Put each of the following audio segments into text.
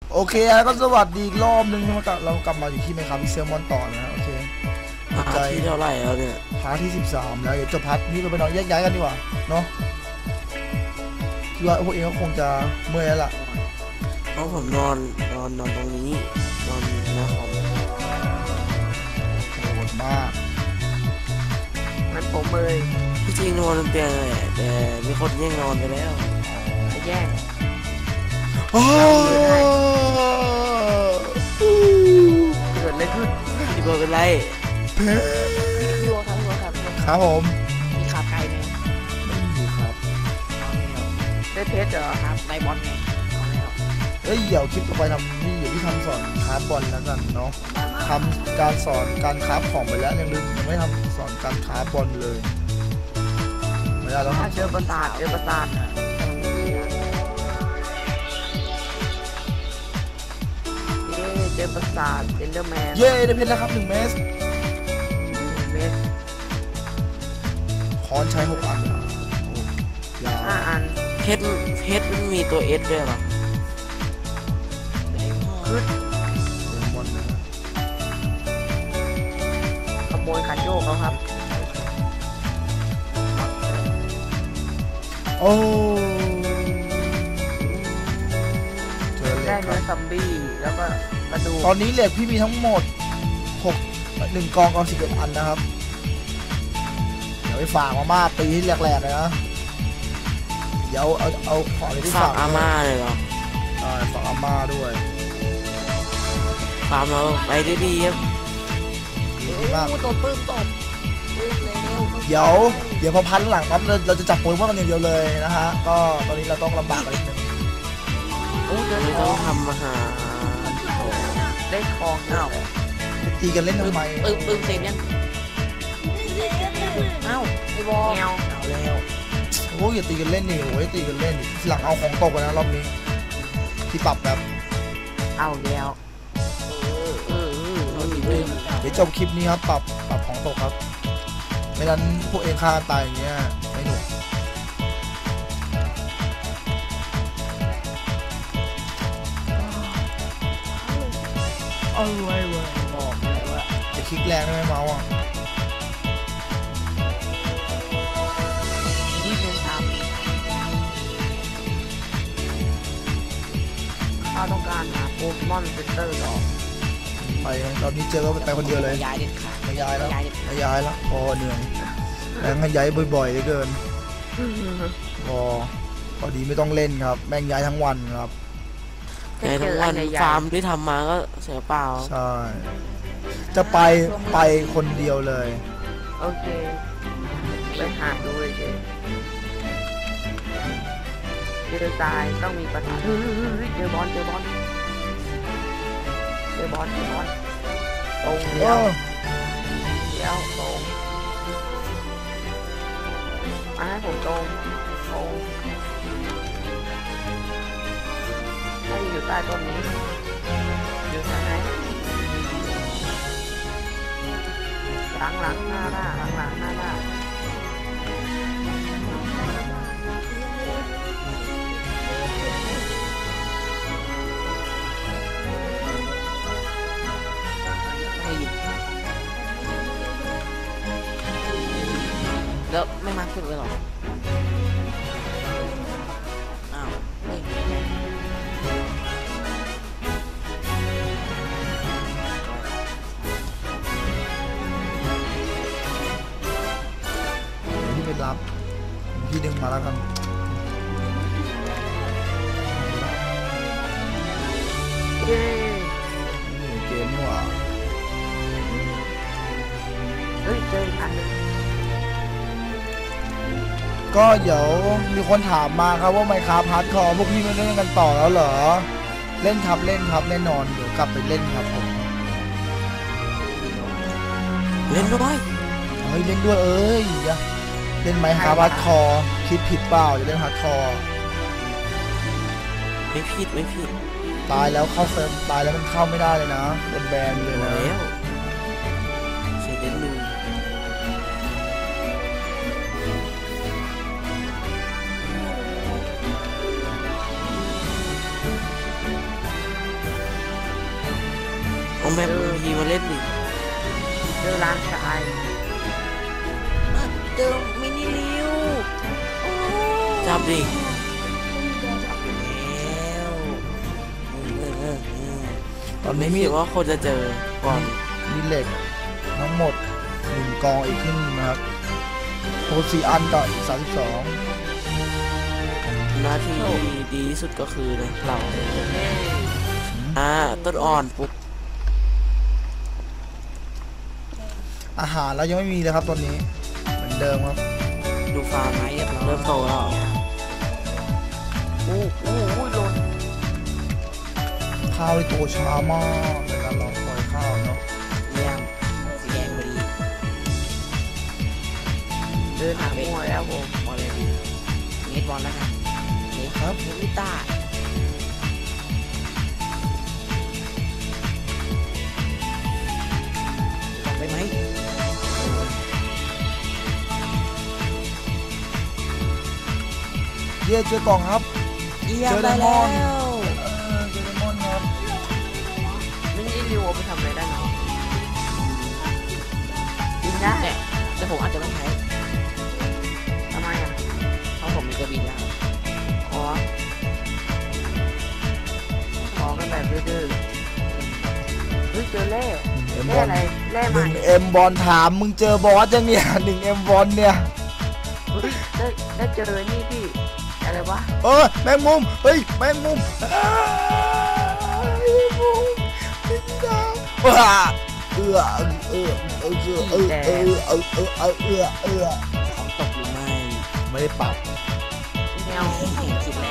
โอเคก็สวัสดีอีกรอบนึงเรากลับมาอยู่ที่ไมค์ครับพิกเซลมอนต่อนะโอเคใจที่เท่าไหร่แล้วเนี่ยพาร์ทที่13แล้วเดี๋ยวจบพาร์ทนี้เราไปนอนแยกย้ายกันดีกว่าเนาะคิดว่าพวกเองก็คงจะเมื่อยแล้วล่ะเพราะผมนอนตรงนี้นอนหน้าคอมโหดมากมันผมเลยที่จริงนอนบนเตียงเลยแต่มีคนแย่งนอนไปแล้วไปแย่งโอ้เกิดอะไรขึ้นพี่เบิร์ดเป็นไรเพชรพี่วัวครับครับผมมีขาไก่ไหมไม่มีครับได้เพชรเหรอครับไอบอลไงเอ้ยเดี๋ยวคลิปต่อไปทำนี่เดี๋ยวพี่ทำสอนคราฟบอลแล้วกันเนาะทำการสอนการคราฟของไปแล้วยังไม่ทำสอนการคราฟบอลเลยไม่ได้แล้วครับเจอประสาทเจอประสาทเอนเดอร์แมนเย้ได้เพชรแล้วครับ1 เมตรค้อนใช้6 อันยาว 5 อันเพชรมันมีตัวเอสด้วยหรอขึ้นเป็นบอลนะขโมยคันโยกเขาครับโอ้เจอเหล็ได้กคเนื้รัอบซัมบี้แล้วก็กระดูกตอนนี้เหล็กพี่มีทั้งหมด1 กอง11 อันนะครับเดี๋ยวไปฝากมาม่าปีที่แรกๆเลยนะเดี๋ยวเอาของที่ฝาฝากกอาม่าเลยเหรอฝากอาม่าด้วยฝากเราไปดีๆครับดีมากตัวปื้มตบเดี๋ยวพอพันหลังปั๊บเราจะจับโปเกมอนกันอย่างเดียวเลยนะฮะก็ตอนนี้เราต้องลำบากกันนิดนึงไม่ต้องทำอาหารได้ทองเอ้าตีกันเล่นทำไมปื้มเสร็จยังเอ้าไอ้บอลเงาแล้วโอ้ยอย่าตีกันเล่นนี่โอ้ยตีกันเล่นหลังเอาของตกกันนะรอบนี้ที่ปรับแบบเอาแล้วเดี๋ยวจบคลิปนี้ครับปรับของตกครับไม่งั้นพวกเองฆ่าตายอย่างเงี้ยไม่หนุกเอาไว้บอกเลยว่าจะคลิกแรงได้ไหมเมาส์อ่ะนี่เป็นทำข้าต้องการหาโปเกมอนเซ็นเตอร์หรอไปตอนนี้เจอก็ไปคนเดียวเลยย้ายเด็ดขาดไม่ย้ายแล้วพอเหนื่อยแม่งให้ย้ายบ่อยๆเหลือเกินพอดีไม่ต้องเล่นครับแม่งย้ายทั้งวันครับในทั้งวันฟาร์มที่ทำมาก็เสียเปล่าใช่จะไปคนเดียวเลยโอเคไปหาดูเลยเจอตายต้องมีประทัดเจอบอลตรงเลี้ยวตรงมาให้ผมตรงให้อยู่ใต้ต้นนี้อยู่ทางไหนหลังหน้าแล้วไม่มาขึ้นเลยหรออ้าวที่ไปรับพี่ดึงมาแล้วกันเย้เกมนี่หว่าเฮ้ยเจออีกอันนึงก็เดี๋ยวมีคนถามมาครับว่าไมค์ครับฮาร์ดคอร์พวกพี่ไม่เล่นกันต่อแล้วเหรอเล่นครับแน่นอนเดี๋ยวกลับไปเล่นครับผมเล่นด้วยเล่นด้วยเล่นไมค์ครับฮาร์ดคอร์คิดผิดเปล่าจะเล่นฮาร์ดคอร์ไม่ผิดตายแล้วเข้าเซิร์ฟตายแล้วมันเข้าไม่ได้เลยนะเป็นแบนเลยนะแล้วเสียเด่นหนึ่งเอาแมปพีมาเล่นดิเจอร้านทรายเจอมินิลิวจับดิจับแล้วตอนนี้ไม่มีคิดว่าคนจะเจอก่อนมีเหล็กทั้งหมด1กองอีกครึ่งนะครับโพสีอันต่ออีก32 หน้าที่ดีที่สุดก็คือนะเราเอ้ยต้นอ่อนปุ๊บอาหารแล้วยังไม่มีเลยครับตอนนี้เหมือนเดิมครับดูฟาร์มเริ่มโตแล้วอู้หล่นข้าวที่โตช้ามากในการรอคอยข้าวเนาะเยี่ยมสีแดงพอดีเดินหามั่วแล้วผมบอลเลยดีเน็ตบอลแล้วกันเน็ตครับเน็ตลิต้าจับไปไหมเย่เจอกล่องครับเยี่ยมเจอไดได้มแล้อนด์วเจอไดมอนด์ครับไม่ได้ริวเอาไปทำอะไรได้เนาะบินได้แต่ผมอาจจะไม่ใช้ทำไมอ่ะเพราะผมมีกระบินแล้วอ๋อขอกันแบบดื้อๆเฮ้ยเจอแร่เอ็มบแร่อลอะไรแร่ใหม่ 1M บอลถามมึงเจอบอสยังเนี่ย 1M บอลเนี่ยเฮ้ยได้เจอนี่พี่อะไรวะแมงมุมเฮ้ยแมงมุมอ้าวแมงมุมเป็นดาวว้าเอื้อของตกหรือไม่ไม่ได้ปรับแมวเห็นคิดแล้ว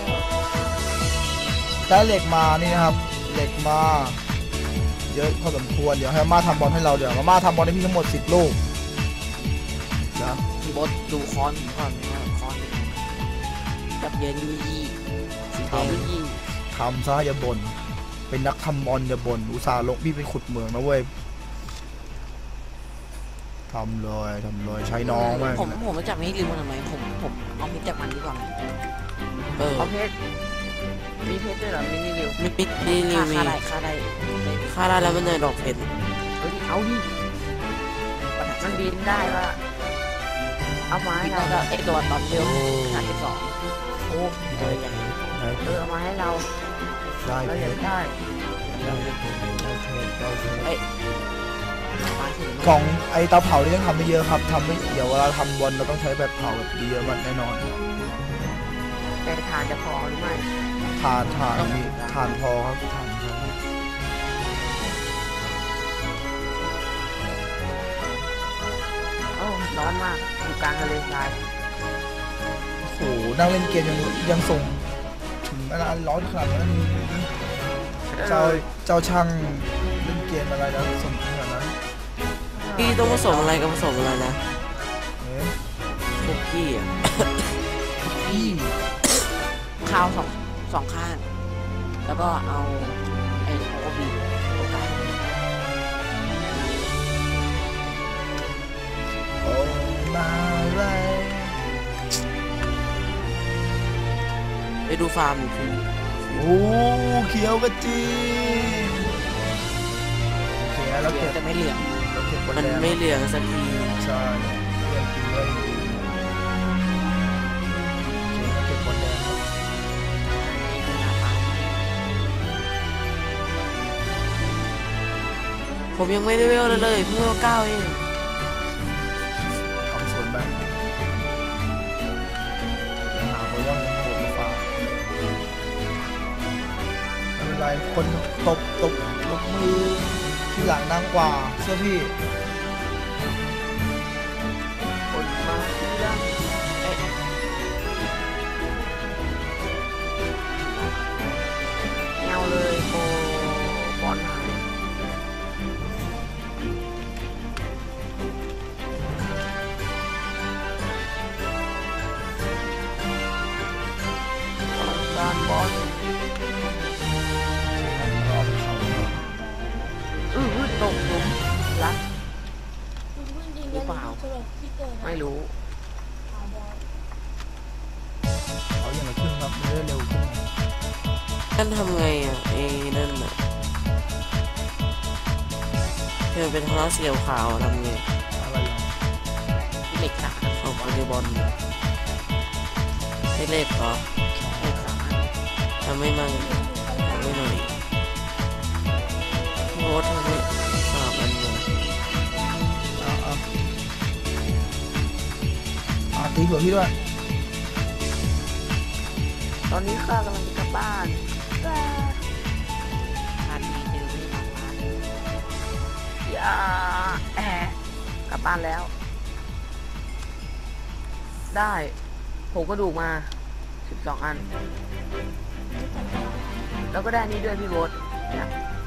ได้เหล็กมานี่นะครับเหล็กมาเยอะพอสมควรเดี๋ยวให้มาทำบอลให้เราเดี๋ยวมาทำบอลให้พี่ทั้งหมด10 ลูกนะพี่บดดูคอนผมก่อนว่าคอนเป็นไงจับเย็นยูยี่สีแดงยูยี่ทำซะอย่าบ่นเป็นนักทำบอลอย่าบ่นอุตส่าห์ลงพี่ไปขุดเหมืองนะเว้ยทำเลยใช้น้องมากผมมาจับไม่ให้ลืมมันทำไมผมเอามิดจากมันดีกว่าเออเอาเพชรมีเพชรด้วยเหรอมินิริวมีปิดดีริวมีค่าได้แล้วมันเลยดอกเพชรเฮ้ยเอาดิมันบินได้ว่าเอามาให้พี่เราก็ไอตัวตอนเร็ว52โอ้เจออย่างนี้เอามาให้เราได้เราเพอยาชกรได้มาถึงกล่องไอเตาเผานี่ต้องทำไม่เยอะครับทำไม่เดี๋ยวเวลาทำบอลเราต้องใช้แบบเผาแบบเยอะมันแน่นอนแต่ทานจะพอหรือไม่ทานมีทานพอครับทานพอโอ้ร้อนมากอยู่กลางทะเลทรายโอ้โหนั่งเล่นเกมยังส่งถึงเวลาร้อนขนาดนั้นเจ้าช่างเล่นเกมอะไรแล้วส่งขนาดนั้นพี่ต้องผสมอะไรกับผสมอะไรนะเอ๊ะคุกกี้อ่ะพี่ข้าวสองข้าง แล้วก็เอาไอ้โอบีตรงกลางโอ้มาไรไปดูฟาร์มอยู่พี่โอ้เขียวกระจีโอเคแล้วเหลืเก็องบแต่ไม่เหลืองเราเก็บบนมันแดงไม่เหลืองสักทีใช่เรื่องจริงเลยเก็บบนแดงครับผมยังไม่ได้เวลเลยเพิ่งเวล9เองทำสวนแบบหาคนว่างโหดมาฝากไม่เป็นไรคนตบมือที่หลังนั่งกว่าเชื่อพี่คนมาเรื่องเงาเลยโบอลหายการบอลรอบเขาตกหลุมรักหรือเปล่าไม่รู้เขาอย่างไรขึ้นครับเรื่อยเร็วขึ้นนั่นทำไงอ่ะไอ้นั่นอ่ะอเป็นท่อเสียวขาวทำไงอะไรเหรอเหล็กสามของโปเกบอลให้เลขเหรอเหล็กสามอันทำไม่มั่งทำไม่หน่อยโค้ดทำไม่สามอันเลยตีหัวพี่ด้วยตอนนี้ข้ากำลังจะกลับบ้านพาดีเจอไม่ทำพาดีอย่าแอบกลับบ้านแล้ว ได้ผมก็ดูกมา12 อัน แล้วก็ได้นี่ด้วยพี่โบ๊ทเนี่ย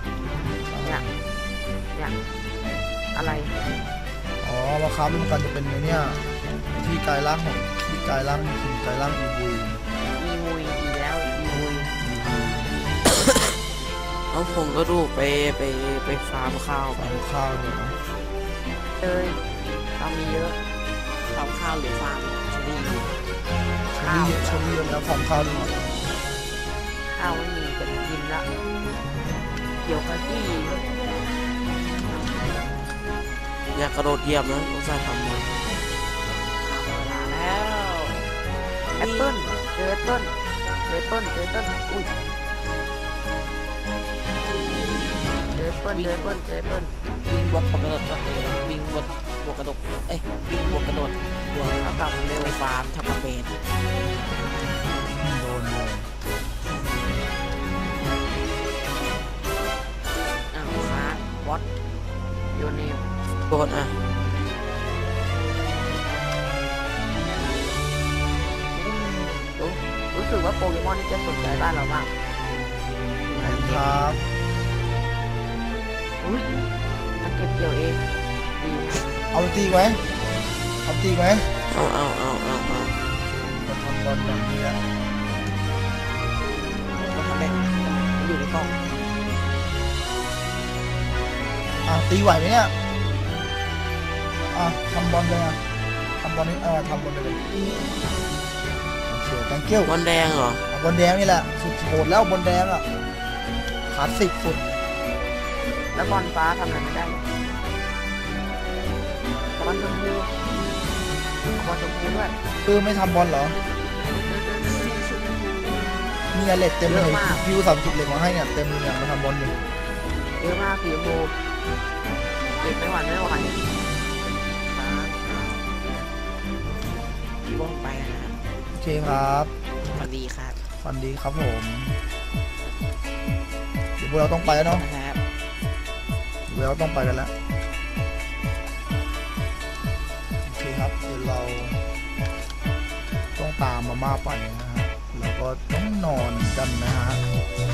อะไรอ๋อมาค้าเป็นกันจะเป็นในเนี่ยที่กายร่างของที่กายร่างถึงกายร่างอีวีอีมุยอีแล้วอีมุยเอาผมก็ดูไปฟาร์มข้าวไปฟาร์มข้าวเนี่ยนะเลยเรามีเยอะฟาร์มข้าวหรือฟาร์มชนิดนี้ชลีเยอะแล้วฟาร์มข้าวด้วยข้าวไม่มีเป็นกินละเกี่ยวกับที่อยากกระโดดเหยียบนะต้องใส่ทำมาเวลาแล้วแอปเปิ้ลเจอแอปเปิ้ลอุ้ยเจอแอปเปิ้ลวิ่งบวกกระโดดก็เลยวิ่งบวกกระโดดวิ่งบวกกระโดดบวกแล้วกลับเร็วฟาร์มทับกระเบนโดนเลยอ้าวค้าวัดโยเนมโดนอ่ะรู้สึกว่าโปเกมอนนี่จะสนใจบ้านเรามากครับอุ้ยมันเก็บเกี่ยวเองดีนะเอาตีไหมเอาตีไหมเอาก็ทำบอลแบบนี้แหละก็ทำแบบอยู่ในกล่องตีไหวไหมเนี่ยทำบอลเลยทำบอลนี่ทำบอลเลยโอเค thank you บอลแดงเหรอบอลแดงนี่แหละสุดโหดแล้วบอลแดงอ่ะขาด10สุดแล้วบอลฟ้าทำอะไรไม่ได้บอลชมพูด้วยไม่ทำบอลเหรอมีเหล็กเต็มเลยพิว30เหล็กมาให้เนี่ยเต็มเลยเนี่ยมาทำบอลอยู่เยอะมากสีชมพูเก็บไม่ไหวบอลไปนะครับโอเคครับสวัสดีครับฟันดีครับผมเดี๋ยวพวกเราต้องไปแล้วเนาะนะครับเดี๋ยวเราต้องไปกันแล้วโอเคครับเดี๋ยวเราต้องตามมาม่าไปนะฮะแล้วก็ต้องนอนกันนะฮะ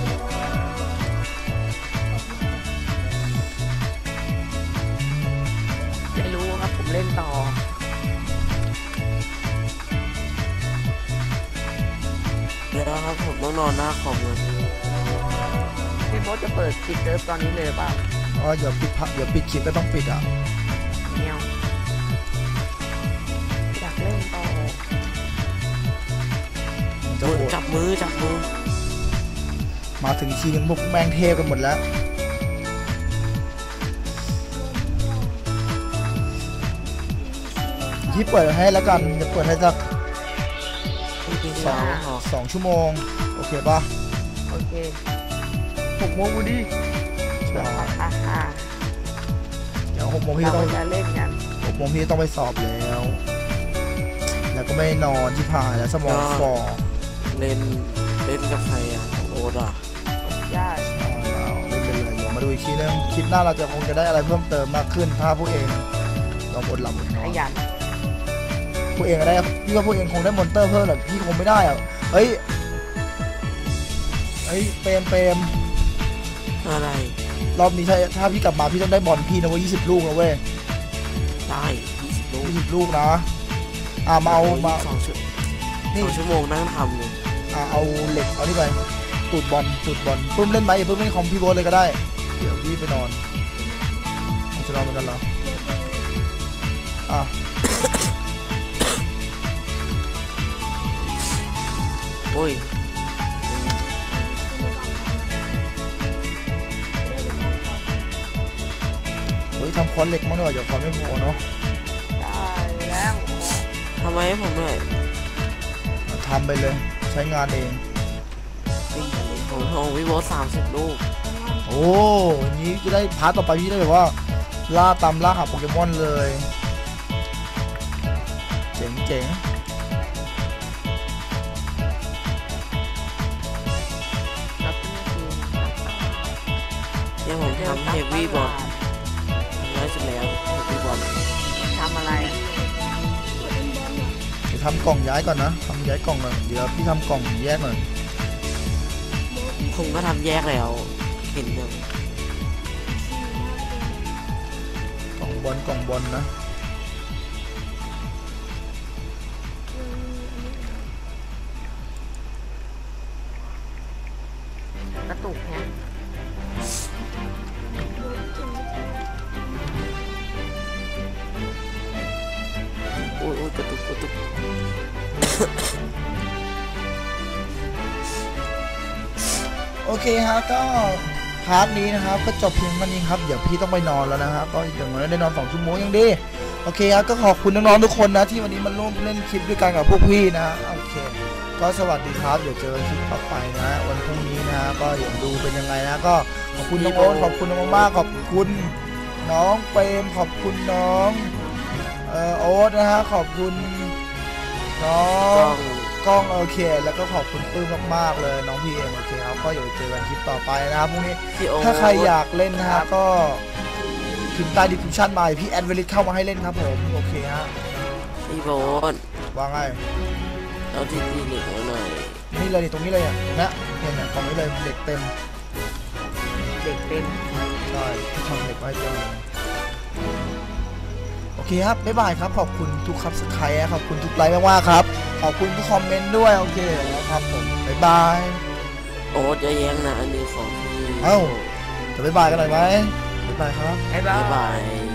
ไม่รู้ครับผมเล่นต่อเดี๋ยวครับผมต้องนอนหน้าคอมเลยพี่โบ๊ทจะเปิดปิดเซิร์ฟตอนนี้เลยเปล่าอ๋อเดี๋ยวปิดคลิปก็ต้องปิดอ่ะเนียวอยากเล่นต่อมันจะโหดจับมือมาถึงทีนึงพวกแมงเทพกันหมดแล้วที่เปิดให้แล้วกันจะเปิดให้สักสองหรอ 2 ชั่วโมงโอเคป่ะโอเค6 โมงกูดิใช่ฮ่าเดี๋ยว6 โมงพี่เราต้องจะเล่นกัน 6 โมงพี่ต้องไปสอบแล้ว แล้วก็ไม่นอนที่ผ่านแล้วสมองฝ่อเล่นกับใครอ่ะโอ๊ตอ่ะได้เราไม่เป็นไรเดี๋ยวมาดูอีกทีนึงคลิปหน้าเราจะคงจะได้อะไรเพิ่มเติมมากขึ้นถ้าพวกเองลองอดหลับอดนขอนยันพวกเองได้พี่ว่าพวกเองคงได้มอนเตอร์เพิ่มแหละพี่คงไม่ได้อ่ะเฮ้ยเปรมอะไรรอบนี้ถ้าพี่กลับมาพี่ต้องได้บอลพี่นะเว้ย20 ลูกนะเว้ยได้20 ลูก 20 ลูกนะมาเอามา 2 ชั่วโมงนั่งทำเลยเอาเหล็กเอานี่ไปตูดบอลปื้มเล่นไหมอย่าปื้มเล่นคอมพี่โบ๊ทเลยก็ได้เดี๋ยวพี่ไปนอนจะนอนเหมือนกันเหรอโอ้ยเฮ้ยทำคอนเหล็กมั้งหน่อยเดี๋ยวคอนไม่พอเนาะได้แล้วทำไมให้ผมด้วยทำไปเลยใช้งานเองผมโทรวิโว30 ลูกโอ้ยนี้จะได้พาร์ทต่อไปพี่ได้แบบว่าล่าตามล่าหาโปเกมอนเลยเจ๋งเจ๋งแล้วก็คือเนี่ยผมทำเฮฟวี่บอลน้อยสุดแล้วเฮฟวี่บอลทำอะไรเดี๋ยวทำกล่องย้ายก่อนนะทำย้ายกล่องก่อนเดี๋ยวพี่ทำกล่องแยกหน่อยผมก็ทำแยกแล้วเห็นยังกล่องบอลนะกระตุกเนี่ยโอ้ยกระตุกโอเคฮะก็พาร์ทนี้นะครับก็จบเพียงเท่านี้ครับเดี๋ยวพี่ต้องไปนอนแล้วนะครับก็อย่างน้อยได้นอน2 ชั่วโมงยังดีโอเคครับก็ขอบคุณน้องๆทุกคนนะที่วันนี้มาร่วมเล่นคลิปด้วยกันกับพวกพี่นะโอเคก็สวัสดีครับเดี๋ยวเจอคลิปต่อไปนะวันพรุ่งนี้นะก็เดี๋ยวดูเป็นยังไงนะก็ขอบคุณน้องโอ๊ตขอบคุณน้องมากขอบคุณน้องเปรมขอบคุณน้องโอ๊ตนะฮะขอบคุณน้อกล้งองกล้องโอเค แล้วก็ขอบคุณปื้มมากๆเลยน้องพีเอ็มโอเคครับก็เดี๋ยวเจอกันคลิปต่อไปนะครับพรุ่งนี้พี่โอถ้าใครอยากเล่นนะฮะก็พิมพ์ใต้ดิสคริปชั่นมาพี่แอดเวลิสเข้ามาให้เล่นครับผมโอเคฮะพี่โบนว่าไงเอาที่คลินิกมาหน่อยนี่เลยนี่ตรงนี้เลยอ่ะนะเนี่ยตรงนี้เลยเด็กเต็มเด็กเป็นได้ที่ทำเด็กไว้เต็มเลยโอเคครับบ๊ายบายครับขอบคุณทุกซับสไครต์ขอบคุณทุกไลค์มากๆครับขอบคุณทุกคอมเมนต์ด้วยโอเคแล้วครับผมบ๊ายบายโอ๊ตจะแย้งนะอันนี้ของพี่เอ้า จะบ๊ายบายกันหน่อยไหมบ๊ายบายครับบ๊ายบาบ๊าย ยบาย